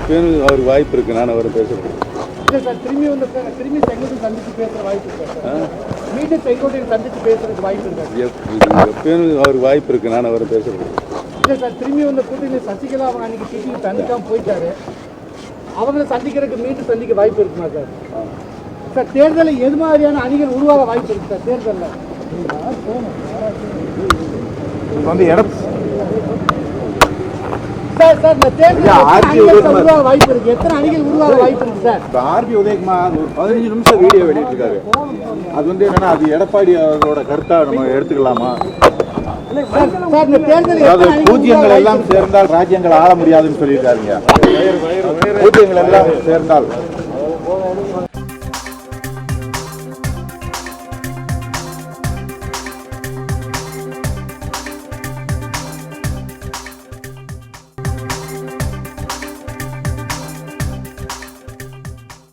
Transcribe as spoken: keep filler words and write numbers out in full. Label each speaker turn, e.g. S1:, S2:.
S1: எப்பயும் அவருக்கு வாய்ப்பு இருக்கு. நான் அவரை பேசுறேன்
S2: சார். திரும்பி வந்து திரும்பி செங்கோட்டையை சந்திச்சு பேசுற வாய்ப்பு இருக்கா? மீண்டும் செங்கோட்டையை சந்திச்சு பேசுறதுக்கு வாய்ப்பு இருக்கா?
S1: எப்பயும் அவருக்கு வாய்ப்பு இருக்கு. நான் அவரை பேசுறேன்
S2: இல்லை சார். திரும்பி வந்த கூட்டணி சசிகலா அவங்க அன்னைக்கு டிவி சந்திக்காம போயிட்டாரு. அவங்களை சந்திக்கிறதுக்கு மீண்டும் சந்திக்க வாய்ப்பு இருக்குமா சார்? சார் தேர்தலில் எது மாதிரியான அணிகள் உருவாக வாய்ப்பு இருக்கு சார்? தேர்தலில்
S3: வந்து இடம்
S2: சார் சார் இந்த தேர்தலில் உருவாக வாய்ப்பு இருக்கு. எத்தனை அணிகள் உருவாக வாய்ப்பு இருக்கு சார்?
S3: இப்போ ஆர்பி உதயகுமார் ஒரு பதினஞ்சு நிமிஷம் வீடியோ வெளியிட்டிருக்காரு. அது வந்து என்னன்னா அது எடப்பாடி அவரோட கருத்தா நம்ம எடுத்துக்கலாமா? பூஜ்யங்கள் எல்லாம் சேர்ந்தால் ராஜ்யங்கள் ஆள முடியாதுன்னு சொல்லியிருக்காருங்க. பூஜ்யங்கள் எல்லாம் சேர்ந்தால்